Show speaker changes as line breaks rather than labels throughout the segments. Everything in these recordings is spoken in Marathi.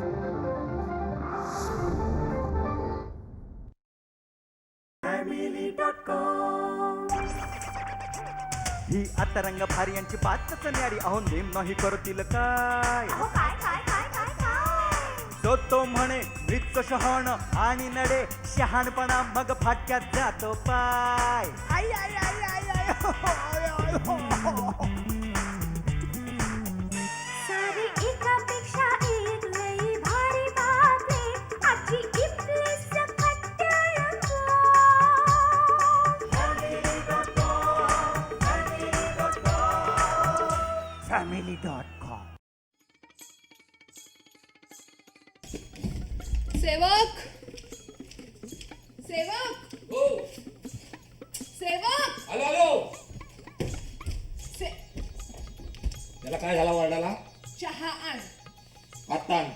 ही आता रंग भारी यांची बातच न्यारी. अहो नेम नाही करतील काय. तो म्हणे मृत्यू शहाण आणि नडे शहाणपणा मग फाटक्यात जातो पाय. आई आई आई आई आई हो, हो, आय, आय, हो, हो.
सारी एकापेक्षा एक लई भारी बातमी आजची इथलीच
family.com.
सेवक सेवक
हो
सेवक
आलो आलो. त्याला काय झाला वरडाला?
चहा आण.
आत्ता आणतो.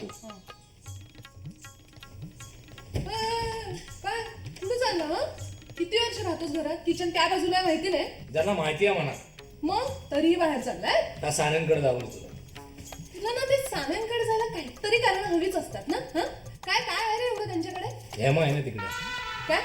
काय कुठे चाललं हं? किती वर्ष राहतोस घरात? किचन त्या बाजूला आहे माहिती नाही?
ज्यांना माहिती आहे म्हणा.
मग तरीही बाहेर चाललाय?
त्या सान्यांकडे जाऊन तुला
तुला ना ते सान्यांकडे जायला काहीतरी कारण हवीच असतात ना. हं? काय काय आहे रे एवढं त्यांच्याकडे?
हेमा आहे ना तिकडे.
काय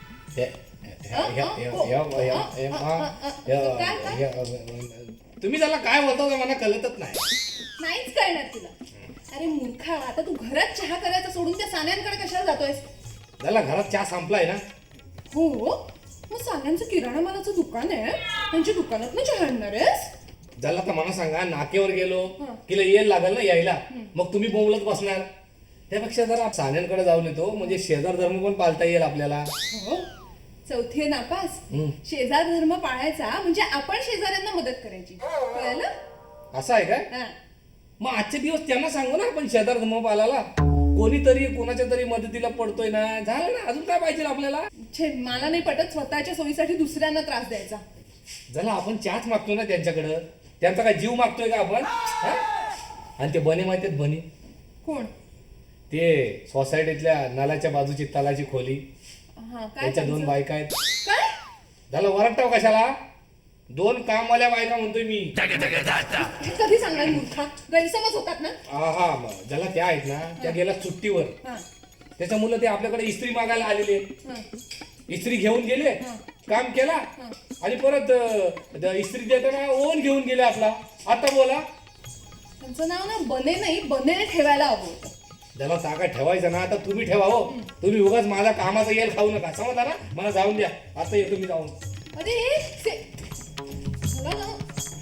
तुम्ही त्याला काय बोलता मला कळतच नाही.
नाहीच कळणार तुला. अरे मूर्खा, आता तू घरात चहा करायचा सोडून त्या सान्यांकडे कशाला जातोयस?
त्याला घरात चहा संपलाय ना.
हो मग सान्यांचं किराणा मालाचं दुकान आहे, त्यांच्या दुकानात ना चहा आणणार आहेस?
झाला तर मला सांगा, नाकेवर गेलो की येईल लागल ना यायला, मग तुम्ही बोंबलत बसणार. त्यापेक्षा जरा सान्यांकडे जाऊन येतो, म्हणजे शेजार धर्म पण पाळता येईल आपल्याला.
हो, चौथी आहे नापास. शेजार धर्म पाळायचा म्हणजे आपण शेजाऱ्यांना मदत करायची, कळलं?
असं आहे काय?
हा.
मग आजचे दिवस त्यांना सांगू ना आपण शेजार धर्म पाळायला. कोणीतरी कोणाच्या तरी मदतीला पडतोय ना, झालं ना, अजून काय पाहिजे आपल्याला?
छे, मला नाही पटत स्वतःच्या सोयीसाठी दुसऱ्यांना त्रास द्यायचा.
झाला आपण चहाच मागतो ना त्यांच्याकडं, त्यांचा काय जीव मागतोय का आपण? आणि ते बने माहिती आहेत? बने
कोण?
ते सोसायटीतल्या नाल्याच्या बाजूची तलाची खोली,
हा, काय
त्याच्या दोन
त्यांचं?
बायका आहेत.
काय?
झालं वरटाव कशाला? दोन कामवाल्या बायका म्हणतोय मी.
हे कधी सांगणार मूर्खा? गैरसमज होतात ना.
हा ज्याला त्या आहेत ना, त्या गेल्या सुट्टीवर.
हा,
त्याच्या मुलं ते आपल्याकडे इस्त्री मागायला आलेले.
हा.
इस्त्री घेऊन गेले, काम केला आणि परत इस्त्री देताना ओन घेऊन गेले आपला. आता बोला.
त्यांचं नाव ना बने नाही, बने ठेवायला हवं होतं.
ज्याला जागा ठेवायचं ना, आता तुम्ही ठेवा हो. तुम्ही उगाच माझा कामाचा येल खाऊ नका, समजला ना? मला जाऊन द्या, आता येतो मी जाऊन.
अरे मला ना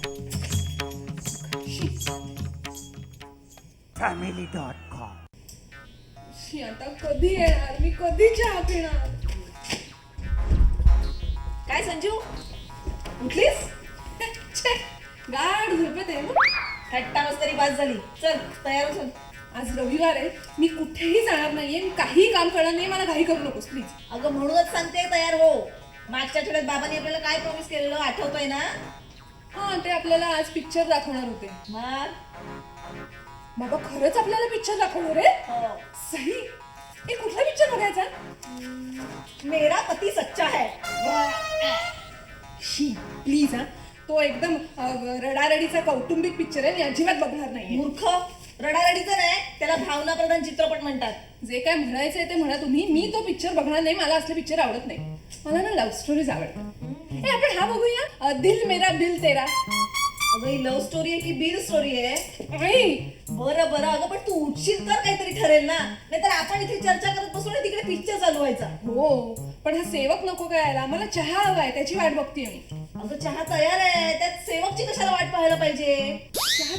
family.com.
आता कधी येणार? मी कधी चहा पिणार? काय संजू, उठलीस? छे, गाढ झोपेत आहे.
थट्टा मस्करी बाद झाली. चल तयार हो.
आज रविवार आहे, मी कुठेही जाणार नाहीये. मी काही काम करणार नाही. मला घाई करू नकोस प्लीज.
अगं म्हणूनच सांगते तयार हो. मागच्या आठवड्यात बाबांनी आपल्याला काय प्रॉमिस केलेलं आठवतोय ना?
हा, ते आपल्याला आज पिक्चर दाखवणार होते.
मग
बाबा खरंच आपल्याला पिक्चर दाखवणार आहे?
हो.
सही. हे कुठला पिक्चर बघायचा?
मेरा पती सच्चा है.
प्लीज हा, तो एकदम रडारडीचा कौटुंबिक पिक्चर आहे. मी अजिबात बघणार नाही.
मूर्ख, रडारडीचं नाही, त्याला भावना प्रधान चित्रपट म्हणतात.
जे काय म्हणायचंय ते म्हणा तुम्ही. मी तो पिक्चर बघणार नाही. मला असले पिक्चर आवडत नाही. मला ना लव्ह स्टोरीज आवडतात. आपण हा बघूया, दिल मेरा दिल तेरा.
अगं ही लव्ह स्टोरी आहे की बीर स्टोरी आहे?
आई,
बरं अगं, पण तू उठशील तर काहीतरी ठरेल ना. नाहीतर आपण इथे चर्चा करत बसू आणि तिकडे पिक्चर चालू व्हायचा.
हो, पण हा सेवक नको करायला. मला चहा हवाय, त्याची वाट बघतीये मी.
अगं चहा तयार आहे, त्यात सेवकची कशाला वाट पाहायला पाहिजे?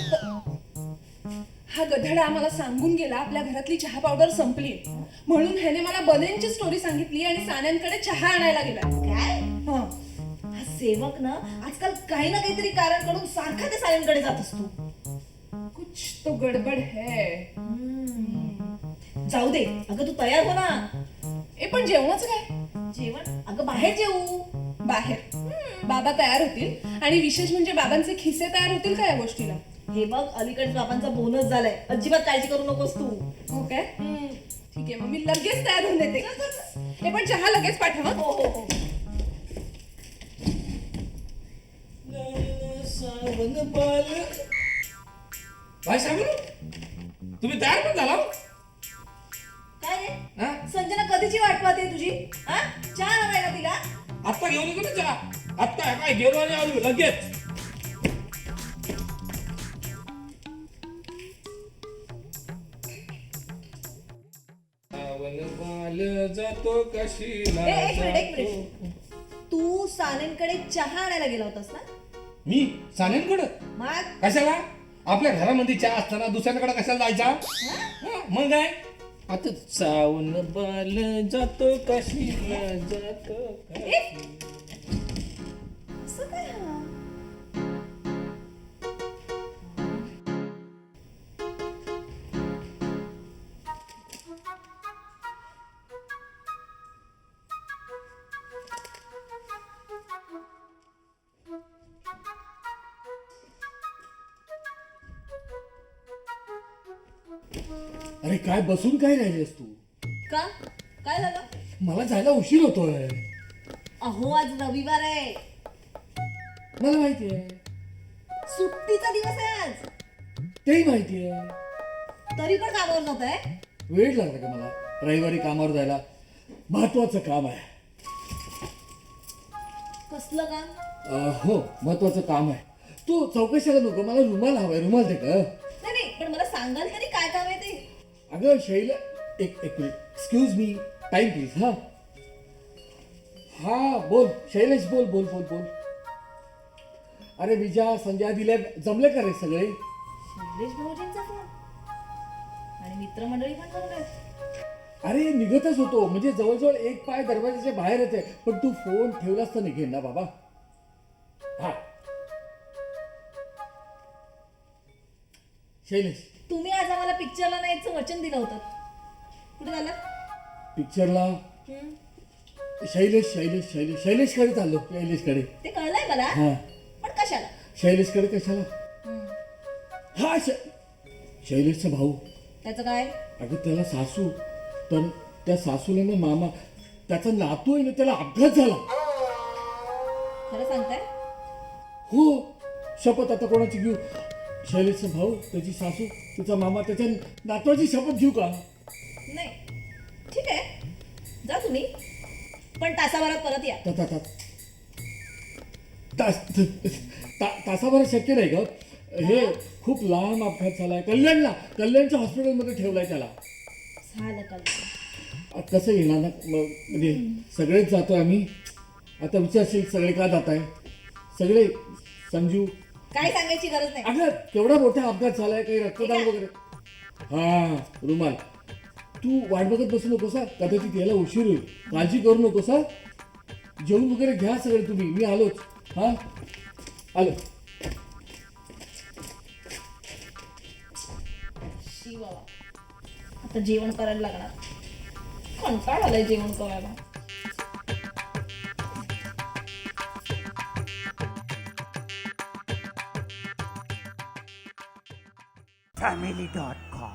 हा गधडा मला सांगून गेला आपल्या घरातली चहा पावडर संपली, म्हणून ह्याने मला बनेंची स्टोरी सांगितली आणि सान्यांकडे चहा आणायला गेला.
काय?
हा,
हा सेवक ना आजकाल काही ना काहीतरी कारण कडून सारखा ते सायंकडे जात असतो.
कुछ तो गडबड है.
जाऊ दे, अगं तू तयार हो ना.
पण जेवणाचं काय?
जेवण? अगं बाहेर जेवू.
बाहेर? बाबा तयार होतील, आणि विशेष म्हणजे बाबांचे खिसे तयार होतील का या गोष्टीला?
हे बघ, अलीकडे बाबांचा बोनस झालाय, अजिबात काळजी करू नकोस तू.
हो काय? ठीक आहे, मग मी लगेच तयार होऊन देते. हे पण चहा लगेच पाठवा.
हो हो हो.
भाई सांगू तुम्ही तयार पण झाला?
संजना कधीची वाट पाहते तुझी हा चहा हवाय ना तिला
आत्ता घेऊन येतो ना चहा. आत्ता काय गेलो आणि आलो लगेच. बाल जातो कशीला
एक मिनिट
जातो.
तू सानेंकडे चहा आणायला गेला होतास ना
मी सानेंकडं
मग
कशाला? आपल्या घरामध्ये चहा असताना दुसऱ्याकडे कशाला जायचा? हा, मग काय आता चावून बाल जातो कशीला जातो
असं काय हा?
अरे काय बसून काय राहिलेस तू?
का काय झालं
मला जायला उशीर होतोय.
अहो आज रविवार आहे
मला माहितीये,
सुट्टीचा दिवस आहे आज
तेही माहितीये.
तरी पण कामावर जात आहे
वेळ लागला का मला रविवारी कामावर जायला? महत्वाचं काम आहे.
कसलं काम
हो महत्वाचं काम आहे. तू चौकशीला नको, मला रुमाल हवाय. रुमाल दे का?
नाही पण मला सांगाल तरी काय काम आहे ते
अगं शैला, एक minute. Excuse me, time please. हा हा बोल शैलेश, बोल बोल बोल बोल. अरे विजया, संजय दिल्या जमले का रे सगळे?
शैलेश भाऊजींचा फोन आणि मित्रमंडळी पण जमले
अरे निघतच होतो, म्हणजे जवळजवळ एक पाय दरवाजाच्या बाहेर येते, पण तू फोन ठेवलास तर निघेल ना बाबा. हा शैलेश,
तुम्ही आज आम्हाला पिक्चरला न्यायचं वचन दिलं होतं कुठे झालं
पिक्चरला शैलेश शैलेश शैलेश शैलेशकडे चाललो. शैलेशकडे.
ते कळलंय मला
हा
पण कशाला
शैलेशकडे कशाला? हा शैलेशचा भाऊ.
त्याचं काय
अगं त्याला सासू, तर त्या सासूला ना मामा, त्याचा नातू आहे ना, त्याला अपघात झाला.
खरं सांगताय
हो शपथ आता कोणाची घेऊ? शैलेशचा भाऊ, त्याची सासू, तिचा मामा, त्याच्या नातवाची शपथ घेऊ का?
नाही ठीक आहे जा तुम्ही पण तासाभरात परत या
ता- ता- ता- तासाभरात शक्य नाही ग. हे खूप लांब अपघात झालाय. कल्याणच्या हॉस्पिटलमध्ये ठेवलाय त्याला.
झालं कळलं
कसं येणार ना म्हणजे सगळेच जातोय आम्ही. आता विचारशील सगळे का जात आहे? सगळे संजू.
काय सांगायची गरज नाही
अगं केवढा मोठा अपघात झालाय, काही रक्तदान वगैरे. हा रुमाल. तू वाट बघत बसू नकोस हा, कदाचित यायला उशीर होईल. काळजी करू नकोस हा. जेवण वगैरे घ्या सगळे तुम्ही, मी आलोच. हा आलो.
शी बाबा आता जेवण करायला लागणार कंटाळ आलाय जेवण करायला
family.com.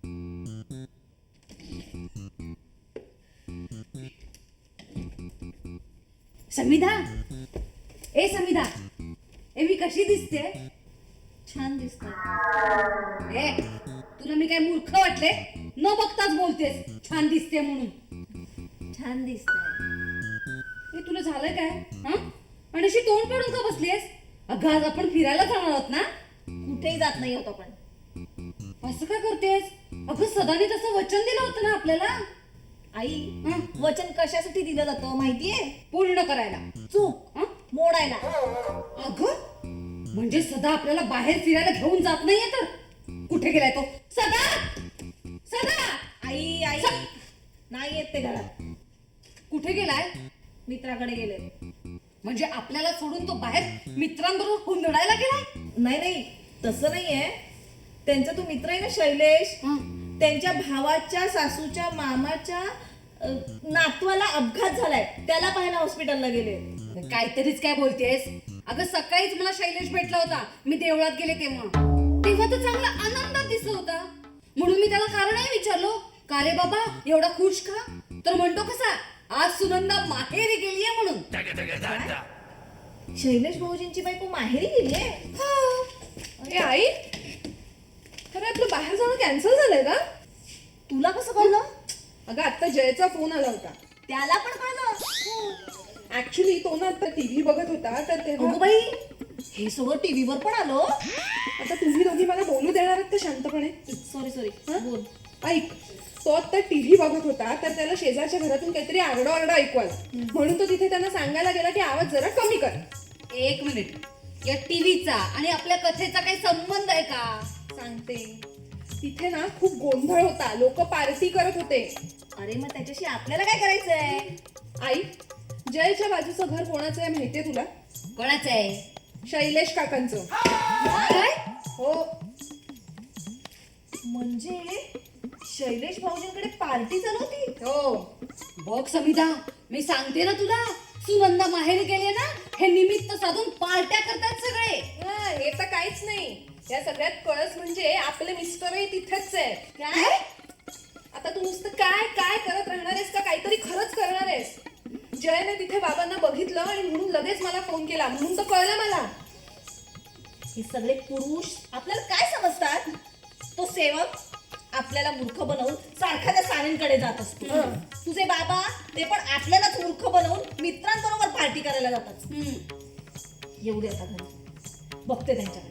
संविधा, ए संविधा, ए मी कशी दिसते?
छान दिसतंय
ए तुला मी काय मूर्ख वाटले? न बघताच बोलतेस छान दिसते म्हणून.
छान दिसतंय
ए तुला झालं काय? हा आणि अशी तोंड काढून का बसलीस? अगं आज आपण फिरायला जाणार आहोत ना?
कुठेही जात नाही होत आपण
असं काय करतेस? अगं सदाने तसं वचन दिलं होतं ना आपल्याला
आई वचन कशासाठी दिलं जातं माहितीये
पूर्ण करायला.
चूक
हं?
मोडायला
अगं म्हणजे सदा आपल्याला बाहेर फिरायला घेऊन जात नाहीये तर कुठे गेलाय तो? सदा सदा
आई आई नाही येत ते घरात
कुठे गेलाय?
मित्राकडे गेले
म्हणजे आपल्याला सोडून तो बाहेर मित्रांबरोबर हुंदडायला गेलाय?
नाही तसं नाहीये त्यांचा तो मित्र आहे ना शैलेश त्यांच्या भावाच्या सासूच्या मामाच्या नातवाला अपघात झालाय त्याला पाहायला हॉस्पिटलला गेले
काहीतरीच काय बोलतेस? अगं सकाळीच मला शैलेश भेटला होता, मी देवळात गेले तेव्हा तो चांगला आनंदात दिसत होता. म्हणून मी त्याला कारणही विचारलो, का रे बाबा एवढा खुश का? तर म्हणतो कसा, आज सुनंदा माहेरी गेलीये म्हणून.
शैलेश भाऊजींची बायको माहेरी गेलीये
ए आई, खरं आपलं बाहेर जाणं कॅन्सल झालंय का?
तुला कसं कळलं
अगं आता जयचा फोन आला होता.
त्याला पण कळलं.
ऍक्च्युली तो ना आता टीव्ही बघत होता तर तेव्हा
अगं बाई, हे सगळं टीव्हीवर पण आलो.
आता तुम्ही दोघी मला बोलू देणार आहात तर शांतपणे.
सॉरी
हं?
बोल.
ऐक, तो आता टीव्ही बघत होता तर त्याला शेजारच्या घरातून काहीतरी आरडाओरडा ऐकू आला. म्हणून तो तिथे त्यांना सांगायला गेला की आवाज जरा कमी कर.
1 मिनिट. या टीव्हीचा आणि आपल्या कथेचा काही संबंध आहे का?
सांगते. तिथे ना खूप गोंधळ होता, लोक पार्टी करत होते.
अरे मग त्याच्याशी आपल्याला काय करायचंय?
आई, जयच्या बाजूचं घर कोणाचं आहे माहितीये तुला?
कोणाचं आहे?
शैलेश काकांचं.
काय?
हो.
म्हणजे शैलेश भाऊजींकडे पार्टी चालवती.
हो.
बघ समिता, मी सांगते ना तुला, सुनंदा माहेरी गेले ना, हे निमित्त साधून पार्ट्या करतात सगळे.
हे तर काहीच नाही. या सगळ्यात कळस म्हणजे आपले मिस्टरही तिथेच आहे.
काय?
आता तू नुसतं काय काय करत राहणार आहेस का काहीतरी खरंच करणार आहेस? जयने तिथे बाबांना बघितलं आणि म्हणून लगेच मला फोन केला, म्हणून तर कळलं मला.
हे सगळे पुरुष आपल्याला काय समजतात? तो सेवक आपल्याला मूर्ख बनवून सारखा त्या सानेंकडे जात असतो. तुझे बाबा ते पण आपल्यालाच मूर्ख बनवून मित्रांबरोबर पार्टी करायला जातात. येऊ दे आता घरी, बघते त्यांच्याकडे.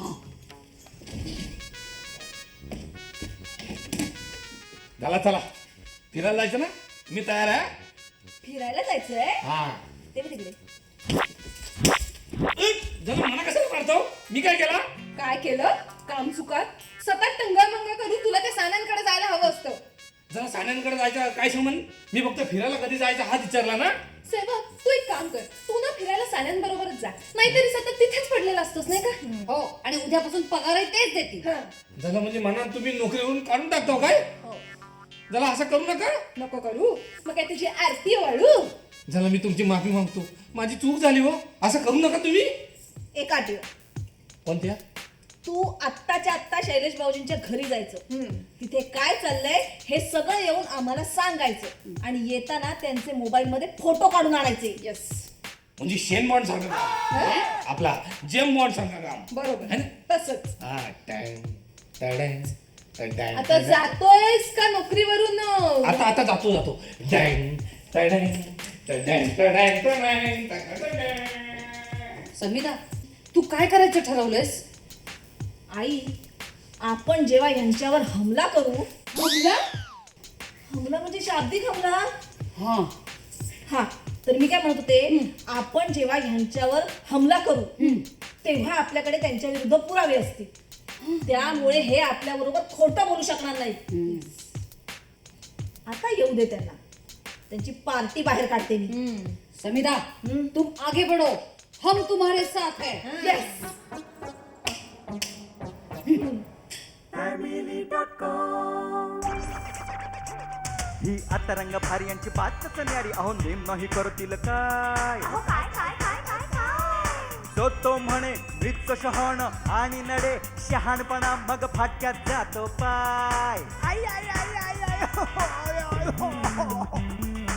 चला चला फिरायला जायचं ना, मी तयार आहे.
फिरायला जायचंय?
हा
ते बघ तिकडे.
जरा मना कशाला मारतो? मी काय केला?
काय केलं? काम चुकार सतत टंगळमंगळ करून तुला त्या सान्यांकडे जायला हवं असतं.
जरा सान्यांकडे जायचं काय संबंध? मी फक्त फिरायला कधी जायचं हा विचारला ना.
सेवक, तू एक काम कर, तू ना फिरायला सान्यांबरोबरच जा, नाहीतरी सतत तिथेच पडलेला असतोस नाही का?
हो, आणि उद्यापासून पगारही तेच देतील.
झालं म्हणजे म्हणा तुम्ही नोकरीवरून काढून टाकतो काय? जरा असं करू नका.
नको करू. मग काय तुझी आरती वाळू?
झालं, मी तुमची माफी मागतो, माझी चूक झाली हो. असं करू नका तुम्ही.
एक आठवण,
कोणत्या?
तू आत्ताच्या आत्ता शैलेश भाऊजींच्या घरी जायचं. तिथे काय चाललंय हे सगळं येऊन आम्हाला सांगायचं आणि येताना त्यांचे मोबाईल मध्ये फोटो काढून आणायचे.
यस,
म्हणजे शेन बॉन्ड सारखं काम. आपला जेम बॉन्ड सारखं काम.
बरोबर
है ना?
तसंच.
हा, टँग, टँग, टँग,
आता
टँग.
जातोयस का नोकरीवरून?
आता जातो टँग, टँग, टँग, टँग, टँग, टँग.
समिता, तू काय करायचं ठरवलंयस?
आई, आपण जेव्हा यांच्यावर हमला करू.
हमला?
हमला म्हणजे शाब्दिक हमला.
हा,
हा, तर मी काय म्हणत होते, आपण जेव्हा ह्यांच्यावर हमला करू तेव्हा आपल्याकडे त्यांच्या विरुद्ध पुरावे असतील. त्यामुळे हे आपल्या बरोबर खोटं बोलू शकणार नाही. आता येऊ दे त्यांना, त्यांची पार्टी बाहेर काढते मी.
समिता, तुम आगे बढ़ो, हम तुम्हारे साथ हैं.
Yes.
ही आता रंग भारी यांची बातच न्यारी, अहो नेम नाही करतील काय. तो म्हणे मृत्यू शहाण आणि नडे शहाणपणा मग फाटक्यात जातो पाय. आई आई आई आई आई हो, हो, हो, हो, हो.